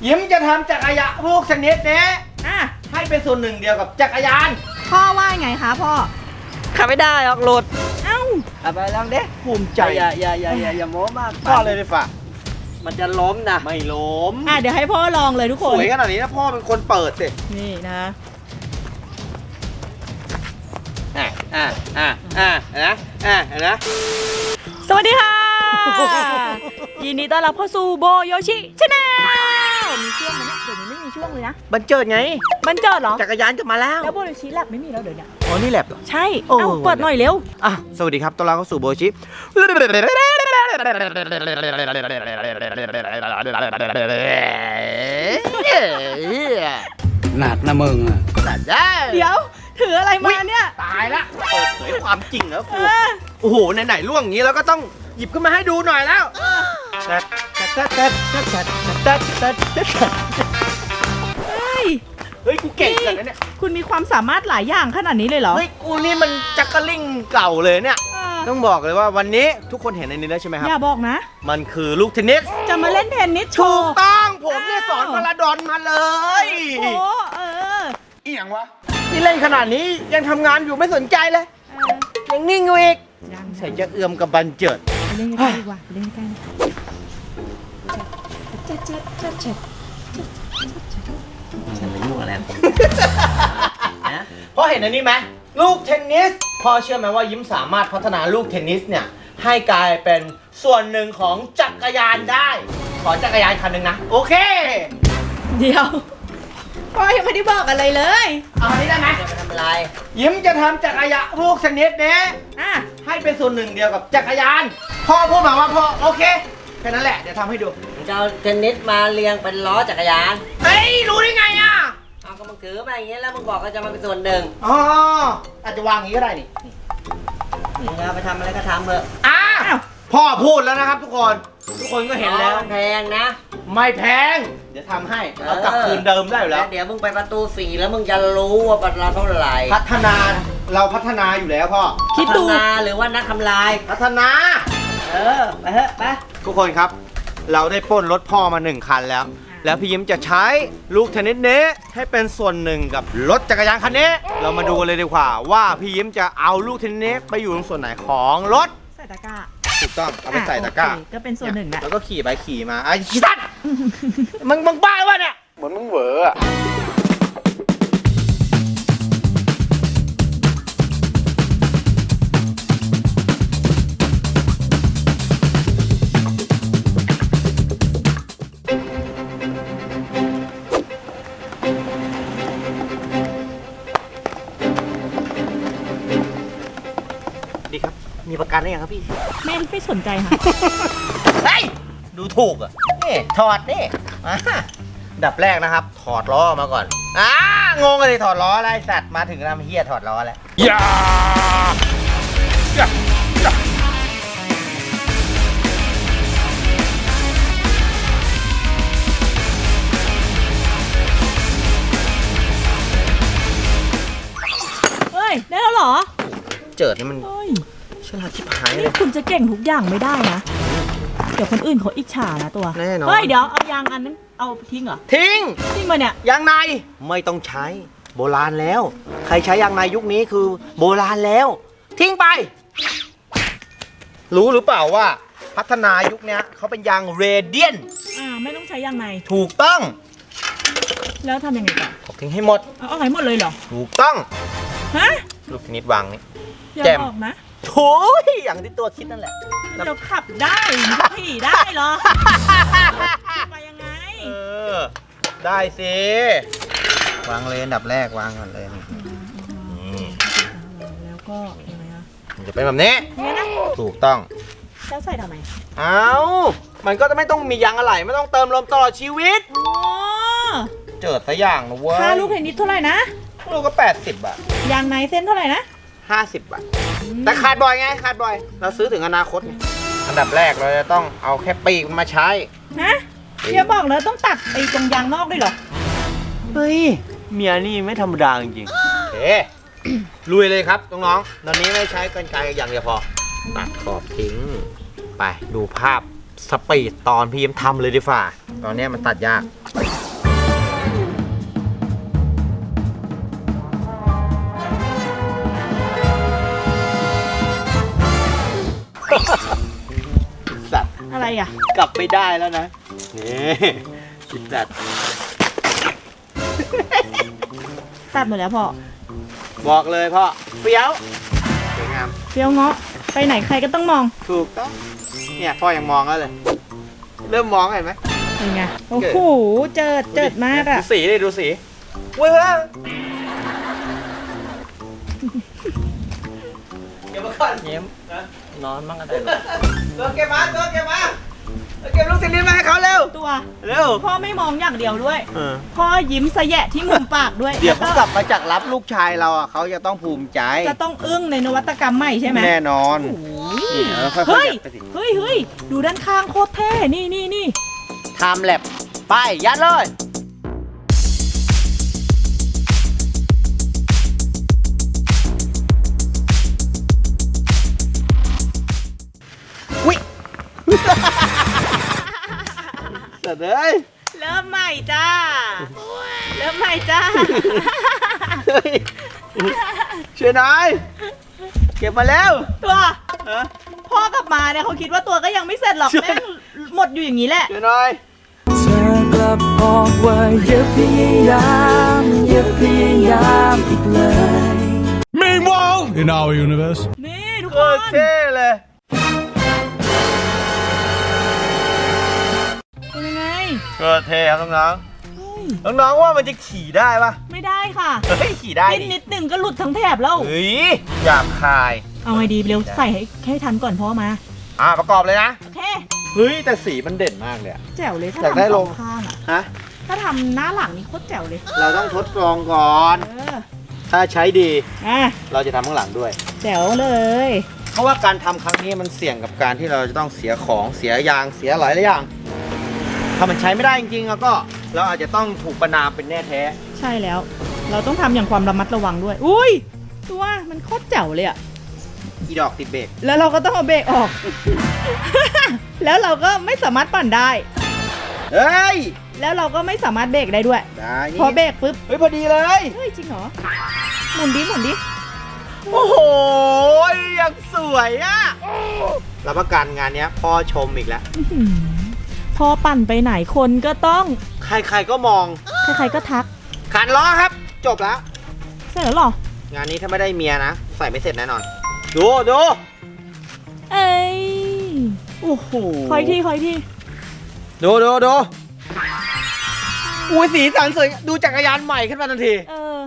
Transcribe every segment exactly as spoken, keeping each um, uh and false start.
ยิ้มจะทำจักรยานพวกชนิดนี้อ่ะให้เป็นส่วนหนึ่งเดียวกับจักรยานพ่อว่าไงคะพ่อขับไม่ได้ออกหลุดเอ้าขับไปลองดิภูมิใจอย่าอย่าอย่าอย่าอย่าโม้มากพ่อเลยดีฝ่ามันจะล้มนะไม่ล้มอ่ะเดี๋ยวให้พ่อลองเลยทุกสคนวยขนาดนี้นะพ่อเป็นคนเปิดสินี่นะอ่ะอ่ะอ่ะอ่ะนะอ่ะนะสวัสดีค่ะ ยินดีต้อนรับเข้าสู่โบโยชิชาแนลมีช่วงไหมเนี่ยเดี๋ยวนี้ไม่มีช่วงเลยนะบันเจิดไงมันเจิดเหรอจักรยานจะมาแล้วแล้วโบโยชิแลบไม่มีแล้วเดี๋ยวนี้อ๋อนี่แลบเหรอใช่โอ้เอ้าเปิดหน่อยเร็วอ่ะสวัสดีครับต้อนรับเข้าสู่โบชิหนักนะมึงอ่ะเดี๋ยวถืออะไรมาเนี่ยตายละเปิดเผยความจริงแล้วเอกูอโอ้โหไหนๆล่วงอย่างนี้แล้วก็ต้องหยิบขึ้นมาให้ดูหน่อยแล้วแต่แต่แต่แต่แต่แต่แต่แต่เฮ้ยเฮ้ยกูเก่งขนาดนั้นเนี่ยคุณมีความสามารถหลายอย่างขนาดนี้เลยเหรอเฮ้ยกูนี่มันจักรลิงเก่าเลยเนี่ยเออต้องบอกเลยว่าวันนี้ทุกคนเห็นในนี้แล้วใช่ไหมครับอย่าบอกนะมันคือลูกเทนนิสจะมาเล่นเทนนิสโชถูกว์ต้องผมเนี่ยอ้าวสอนพาราดอนมาเลยโอ้เอออีหยังวะนี่เล่นขนาดนี้ยังทำงานอยู่ไม่สนใจเลยเออยังนิ่งอยู่อีกยังใส่จะเอื้อมกับบันเจิดไปเล่นกันดีกว่าไปเล่นกันเจ็ดเจ็ดเจ็ดเจ็ดฉันไม่ยุ่งอะไรกับผมนะเพราะเห็นอันนี้ไหมลูกเทนนิสพ่อเชื่อไหมว่ายิ้มสามารถพัฒนาลูกเทนนิสเนี่ยให้กลายเป็นส่วนหนึ่งของจักรยานได้ ขอจักรยานคันหนึ่งนะ โอเคเดี๋ยวพ่อยังไม่ได้บอกอะไรเลยเอาอันนี้ได้ไหมจะไปทำอะไรยิ้มจะทำจักรยานลูกชนิดนี้อ่ะให้เป็นส่วนหนึ่งเดียวกับจักรยาน พ่อพูดมาว่าพ่อโอเคแค่นั้นแหละเดี๋ยวทำให้ดูมึงจะเอาเทนนิสมาเรียงเป็นล้อจักรยานเฮ้ยรู้ได้ไงอ่ะเอาก็มึงถือมาอย่างเงี้ยแล้วมึงบอกก็จะมาเป็นส่วนหนึ่งอ๋ออาจจะวางอย่างนี้ก็ได้นี่มึงเอาไปทำอะไรก็ทำเถอะอ่ะอ้าวพ่อพูดแล้วนะครับทุกคน ทุกคนก็เห็นแล้วล้อมันแพงนะไม่แพง เดี๋ยวทำให้เอากลับคืนเดิมได้อยู่แล้วเดี๋ยวมึงไปประตูสี่แล้วมึงจะรู้ว่าประตูเท่าไหร่พัฒนาเราพัฒนาอยู่แล้วพ่อคิดดูพัฒนาหรือว่านักทำลายพัฒนาเออ ไปเถอะไปทุกคนครับ เราได้ปล้นรถพ่อมาหนึ่งคันแล้ว แล้วพี่ยิ้มจะใช้ลูกเทนนิสนี้ให้เป็นส่วนหนึ่งกับรถจักรยานคันนี้ เรามาดูกันเลยดีกว่าว่าพี่ยิ้มจะเอาลูกเทนนิสนี้ไปอยู่ตรงส่วนไหนของรถใส่ตะกร้าถูกต้องเอาไปใส่ตะกร้าโอเคก็เป็นส่วนหนึ่งแหละแล้วก็ขี่ไปขี่มาไอ้ขี้สัตว์มึงมึงบ้าวะเนี่ยเหมือนมึงเหวออะดีครับมีประกันได้ยังครับพี่แม่ไม่สนใจค่ะเฮ้ยดูถูกอ่ะนี่ถอดนี่อ่ะดับแรกนะครับ ถอดล้อมาก่อนอ่างงเลยถอดล้ออะไรสัตว์มาถึงทำเฮียถอดล้อแล้วอย่าอย่าอย่าเฮ้ย ได้แล้วเหรอเจิดนี่มันเฮ้ยฉลาดชิบหายเลนี่ยคุณจะเก่งทุกอย่างไม่ได้นะ เดี๋ยวคนอื่นเขาอิจฉานะตัวแน่นอนเฮ้ย เดี๋ยวเอายางอันนั้นเอาทิ้งเหรอทิ้งทิ้งมาเนี่ยยางในไม่ต้องใช้โบราณแล้ว ใครใช้ยางในยุคนี้คือโบราณแล้ว ทิ้งไป รู้หรือเปล่าว่า พัฒนายุคนี้เขาเป็นยางเรเดียนอ่า ไม่ต้องใช้ยางในถูกต้องแล้วทำยังไงต่อผมทิ้งให้หมดเอาเอาไหนหมดเลยเหรอถูกต้องฮะลูกนิดวางนี่อย่าแจ่มบอกนะโถ่อย่างที่ตัวคิดนั่นแหละเดี๋ยวขับได้ขี่ได้เหรอไปยังไงเออ ได้สิ วางเลยอันดับแรกวางก่อนเลยนี่แล้วก็ยังไงอะมันจะเป็นแบบนี้เนี่ยนะถูกต้องแล้วใส่ทำไมเอามันก็จะไม่ต้องมียางอะไหล่ไม่ต้องเติมลมตลอดชีวิตอ๋อเจิดซะอย่างนะเว้ยค่าลูกเทนนิสเท่าไหร่นะลูกก็แปดสิบบาทยางในเส้นเท่าไหร่นะห้าสิบบาท แต่ขาดบ่อยไงขาดบ่อย เราซื้อถึงอนาคตไงอันดับแรกเราจะต้องเอาแค่ปีกมันมาใช้ฮะอย่าบอกเลยต้องตัดไอ้ตรงยางนอกด้วยเหรอเฮ้ย เมียนี่ไม่ธรรมดาจริงๆโอเค ลุยเลยครับน้องๆตอนนี้ไม่ใช้กรรไกรอย่างเดียวพอ ตัดขอบทิ้ง ไปดูภาพสปีดตอนพี่ยิ้มทำเลยดีฝ่า ตอนนี้มันตัดยากสัตว์อะไรอ่ะกลับไม่ได้แล้วนะนี่ชิสัตว์ตัดหมดแล้วพ่อบอกเลยพ่อเปรี้ยวสวยงามเปรี้ยวเงาะไปไหนใครก็ต้องมองถูกต้องเนี่ยพ่อยังมองแล้วเลย เริ่มมองเห็นไหมเป็นไงโอ้โหเจิดเจิดมากอ่ะดูสีดิดูสีเว้ยเว้ยเก็บมาก่อนเยี่ยมนะนอนมั่งก็ได้ตัวเก็บมาตัวเก็บมาตัวเก็บลูกศิลินมาให้เขาเร็วตัวเร็วพ่อไม่มองอย่างเดียวด้วยเออพ่อยิ้มสะแยะที่มุมปากด้วยเดี๋ยวเขาแล้กลับมาจากรับลูกชายเราอ่ะเขาจะต้องภูมิใจจะต้องอึ้งในนวัตกรรมใหม่ใช่ไหมแน่นอนโอ้ยนี่เออค่อยๆเฮ้ยยัดไปสิเฮ้ยเฮ้ยดูด้านข้างโคตรเท่นี่นี่นี่ไทม์แลปไปยัดเลยวิเสร็จเลยเริ่มใหม่จ้าเริ่มใหม่จ้าเฮ้ยช่วยหน่อยเก็บมาแล้วตัวฮะพ่อกลับมาเนี่ยเขาคิดว่าตัวก็ยังไม่เสร็จหรอกช่วยแม่งหมดอยู่อย่างนี้แหละช่วยหน่อยเธอกลับบอกว่าอย่าพยายามอย่าพยายามอีกเลย Meanwhile, in our universe. นี่ทุกโคคตรนเท่เลยเป็นยังไงโคตรเท่ครับน้องเฮ้ยๆน้องๆว่ามันจะขี่ได้ปะไม่ได้ค่ะเฮ้ยขี่ได้นิดดินิดหนึ่งก็หลุดทั้งแถบแล้วเฮ้ยหยาบคายเอาไงดีเร็วใส่ให้ให้ทันก่อนพ่อมาอ่ะประกอบเลยนะโอเคเฮ้ยแต่สีมันเด่นมากเลยอะแจ๋วเลยถ้าอยากได้ทำสลอง งข้างอะฮะถ้าทำหน้าหลังนี่โคตรแจ๋วเลยเราต้องทดลองก่อนเออถ้าใช้ดีอ่ะเราจะทำข้างหลังด้วยแจ๋วเลยเพราะว่าการทำครั้งนี้มันเสี่ยงกับการที่เราจะต้องเสียของเสียยางเสียหลายหลายอย่าง ถ้ามันใช้ไม่ได้จริงๆแล้วก็เราอาจจะต้องถูกประนามเป็นแน่แท้ใช่แล้ว เราต้องทำอย่างความระมัดระวังด้วย อุ้ยตัวมันโคตรแจ๋วเลยอะอีดอกติดเบรกแล้วเราก็ต้องเอาเบรกออก แล้วเราก็ไม่สามารถปั่นได้เฮ้ยแล้วเราก็ไม่สามารถเบรกได้ด้วยได้นี่พอเบรกปุ๊บเฮ้ยพอดีเลยเฮ้ยจริงเหรอ หมุนดิหมุนดิโอ้โหยังสวยอ่ะรับประกันงานเนี้ยพ่อชมอีกแล้วอื้อหือพอปั่นไปไหนคนก็ต้องใครๆก็มองใครๆก็ทักขันล้อครับ จบแล้วเสร็จแล้วเหรองานนี้ถ้าไม่ได้เมียนะ ใส่ไม่เสร็จแน่นอน ดูดูเอ้ยโอ้โหคอยที่คอยที่ดูดูดูอุ้ยสีสันสวยดูจักรยานใหม่ขึ้นมาทันทีเออ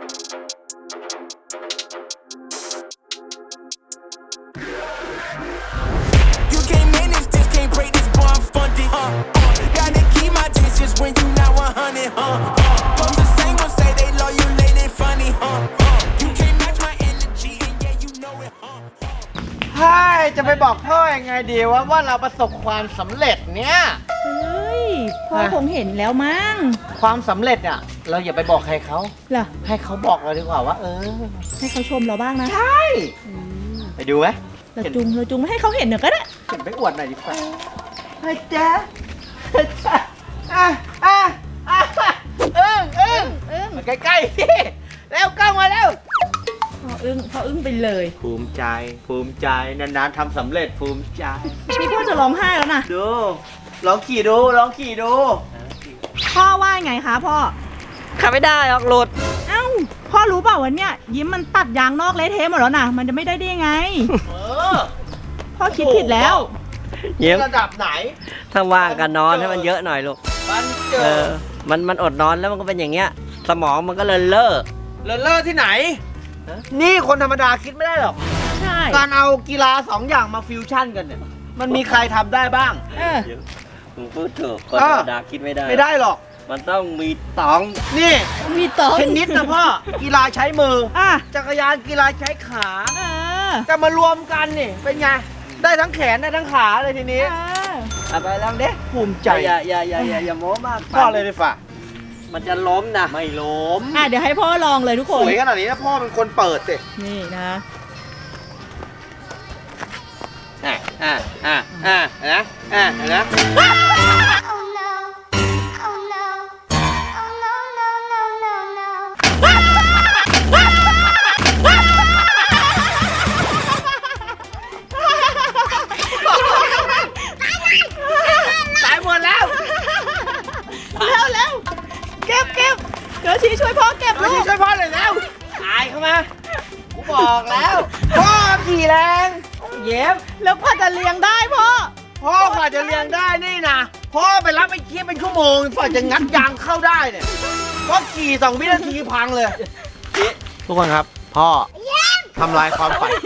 You can't manage this, can't break this, boy, I'm funded. Uh, uh, gotta keep my distance when you not one hundred, huh? Uh, but the same ones say they love you, late and funny, huh? Uh, you can't match my energy, and yeah, you know it, huh? ใช่จะไปบอกพ่อยังไงดีว่าว่าเราประสบความสำเร็จเนี่ยเฮ้ย พ่อฮะคงเห็นแล้วมั้งความสำเร็จเนี่ยเราอย่าไปบอกใครเขาเหรอให้เขาบอกเราดีกว่าว่า เออให้เขาชมเราบ้างนะใช่ไปดูไหมเราจุงเราจุงไม่ให้เขาเห็นเดี๋ยวก็ได้เห็นไปอวดหน่อยดีกว่าเฮ้ยแจ๊ะเฮ้ยแจ๊ะอ่ะอ่ะอ่ะเอิ้งเอิ้งเอิ้งมาใกล้ๆสิแล้วกล้องมาแล้วพออึ้งพออึ้งไปเลยภูมิใจ ภูมิใจนานๆทำสำเร็จภูมิใจนี่พ่อจะร้องไห้แล้วนะดูลองขี่ดูลองขี่ดูพ่อว่าไงคะพ่อขับไม่ได้หรอกหลุดเอ้า พ่อรู้เปล่าวันเนี้ยยิ้มมันตัดยางนอกเละเทะหมดแล้วนะมันจะไม่ได้ได้ยังไงเออพ่อคิดผิดแล้วเยี่ยมระดับไหนถ้าว่างกันนอนให้มันเยอะหน่อยลูกมันเจเอออ มันมันอดนอนแล้วมันก็เป็นอย่างเงี้ย สมองมันก็เลยเล่อเลนเลอร์ที่ไหน นี่คนธรรมดาคิดไม่ได้หรอกใช่การเอากีฬาสองอย่างมาฟิวชั่นกันเนี่ย มันมีใครทำได้บ้างเออมึงพูดถูกคนเอธรอรมดาคิดไม่ได้ไม่ได้หรอกมันต้องมีตองนี่มีโต๊ะเทนนิสนะพ่อ กีฬาใช้มืออ่ะจักรยานกีฬาใช้ขาเออแต่มารวมกันนี่ เป็นไง ได้ทั้งแขนได้ทั้งขาเลยทีนี้เออเอาไปลองดิภูมิใจอย่าอย่าอย่าอย่าอย่าโม้มากพ่อเลยดีฝ่ามันจะล้มนะไม่ล้มอ่ะเดี๋ยวให้พ่อลองเลยทุกคสนวยขนาดนี้นะพ่อเป็นคนเปิดสินี่นะอ่ะอ่ะอ่ะอ่ะนะอ่ะนะ Oh no. Oh no. Oh no, no, no, no, no. เชิช่วยพ่อเก็บโยลูชิกช่วยพ่อหน่อยแล้วตายเข้ามากูบอกแล้ว พ่อขี่แรงเย็บแล้วพ่อจะเลี้ยงได้พ่อพ่อกว่าจะเลี้ยงได้นี่นะพ่อไปรับไอ้เคียเป็นชั่วโมงกว่าจะงัดยางเข้าได้เนี่ยพ่อขี่สองวินาทีพังเลยทุกคนครับ พ่อทำลายความฝัน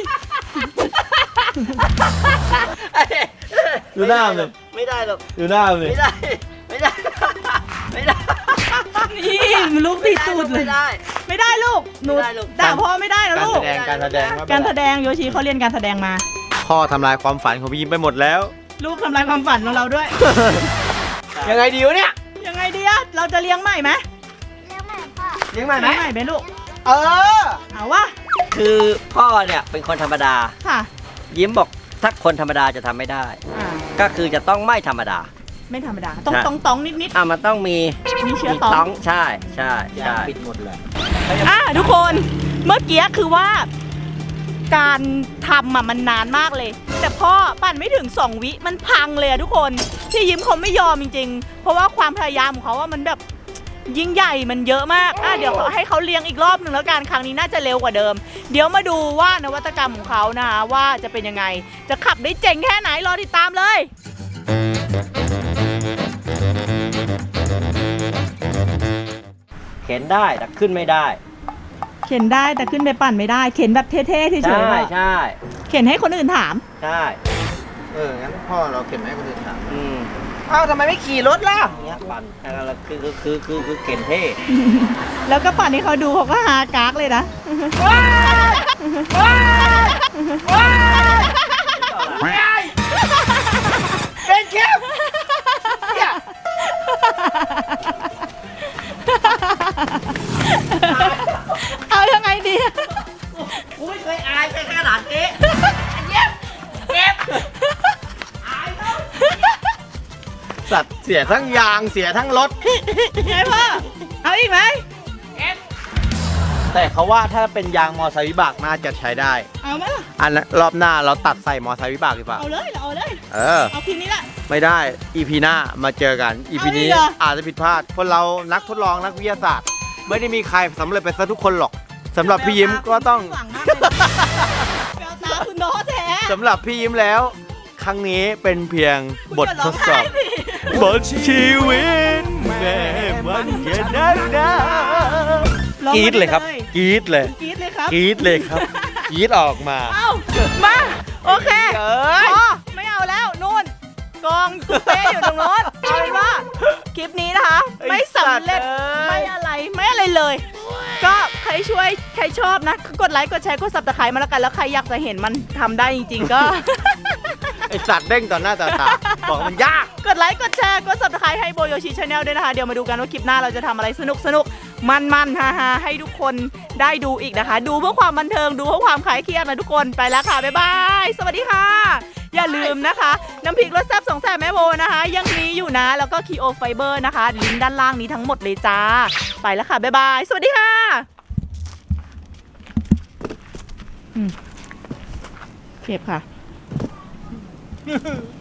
ดูหน้าเลยไม่ได้หรอกดูหน้าเลยไม่ได้ ไม่ได้ ไม่ได้นี่ลูกติดตูดเลยไม่ได้ไม่ได้ลูกหนูไม่ได้ลูกด่าพ่อไม่ได้นะการลูแสกดงการแสดงการแสดงโยชิเขาเรียนการแสดงมาพ่อทำลายความฝันของพี่ยิ้มไปหมดแล้วลูกทำลายความฝันของเราด้วยยังไงดีวะเนี่ยยังไงดีอะเราจะเลี้ยงใหม่ไหมเลี้ยงใหม่พ่อเลี้ยงใหม่ไหมเลี้ยงใหม่ไหมลูกเออเอาวะคือพ่อเนี่ยเป็นคนธรรมดาค่ะยิ้มบอกถ้าคนธรรมดาจะทำไม่ได้อ่าก็คือจะต้องไม่ธรรมดาไม่ธรรมดาต้องใช่ต้องต้องนิดนิดอ่ะมันต้องมีๆมีเชื้อมีตองต้องใช่ใช่ใช่ปิดหมดเลยอ่ะทุกคนเมื่อกี้คือว่า การทำอ่ะมันนานมากเลย แต่พ่อปั่นไม่ถึงสองวิมันพังเลยอะทุกคนที่ยิ้มเขาไม่ยอมจริงๆ เพราะว่าความพยายามของเขาว่ามันแบบยิ่งใหญ่มันเยอะมากอ่ะเดี๋ยวให้เขาเลี้ยงอีกรอบหนึ่งแล้วกันครั้งนี้น่าจะเร็วกว่าเดิม เดี๋ยวมาดูว่านวัตกรรมของเขานะคะว่าจะเป็นยังไง จะขับได้เจ๋งแค่ไหนรอติดตามเลยเข็นได้แต่ขึ้นไม่ได้เข็นได้แต่ขึ้นไปปั่นไม่ได้ เข็นแบบเท่ๆเฉยใช่ๆว่าใช่เข็นให้คนอื่นถามใช่เออ งั้นพ่อเราเข็นให้คนอื่นถามอืมเอ้าทำไมไม่ขี่รถล่ะเนี้ยปั่นอะไรคือคือคือคือคือเข็นเท่แล้วก็ปั่นให้เขาดูเขาก็หากากเลยนะเป็นเข้มเนี่ยเอายังไงดีกูไม่เคยอายแค่ขนาดนี้สัตว์เสียทั้งยางเสียทั้งรถไงพ่อ เอาอีกไหมแต่เขาว่าถ้าเป็นยางมอไซค์วิบากน่าจะใช้ได้เอาไหมล่ะอันนั้นรอบหน้าเราตัดใส่มอไซค์วิบากดีกว่าเอาเลยเอาเลยเออเอาคืนนี้แหละไม่ได้ อีพีหน้ามาเจอกัน อีพีเอาอีนี้กเหรออาจจะผิดพลาด คนเรานักทดลองนักวิทยาศาสตร์ ไม่ได้มีใครสำเร็จไปซะทุกคนหรอกสำหรับพี่ยิ้มก็ต้องหวังมากเลยนะแววตาคุณน้อแท้สำหรับพี่ยิ้มแล้ว ครั้งนี้เป็นเพียงบททดสอบคุณจะร้องไห้ดิบทชีวิตแม่มันจะนักหนาร้องกรี๊ดมาเลยครับกรี๊ดเลยกรี๊ดเลยครับกรี๊ดเลยครับกรี๊ดออกมาเอ้ามาโอเคเอ้ยพอไม่เอาแล้วนู่นกองตุ๊กเป๊ะอยู่ตรงโน้นเอาเป็นว่าคลิปนี้นะคะ ไม่สำเร็จไม่อะไรไม่อะไรเลย ก็ใครช่วยใครชอบนะกดไลค์กดแชร์กดซับสไครต์มาแล้วกันแล้วใครอยากจะเห็นมันทำได้จริงๆก็ไอสัตว์เด้งต่อหน้าต่อตาบอกมันยากกดไลค์กดแชร์กด ซับสไครต์ ให้โบโยชิชาแนลด้วยนะคะ เดี๋ยวมาดูกันว่าคลิปหน้าเราจะทำอะไรสนุกสนุกมันมันๆฮาฮาๆให้ทุกคนได้ดูอีกนะคะ ดูเพื่อความบันเทิงดูเพื่อความคลายเครียดนะทุกคนไปแล้วค่ะ บ๊ายบาย สวัสดีค่ะ อย่าลืมนะคะ น้ำพริกรสแซ่บสองแสบแม่โบนะคะ ยังมีอยู่นะ แล้วก็คีโอไฟเบอร์นะคะลิงก์ด้านล่างนี้ทั้งหมดเลยจ้า ไปแล้วค่ะ บ๊ายบาย สวัสดีค่ะอืมเก็บค่ะ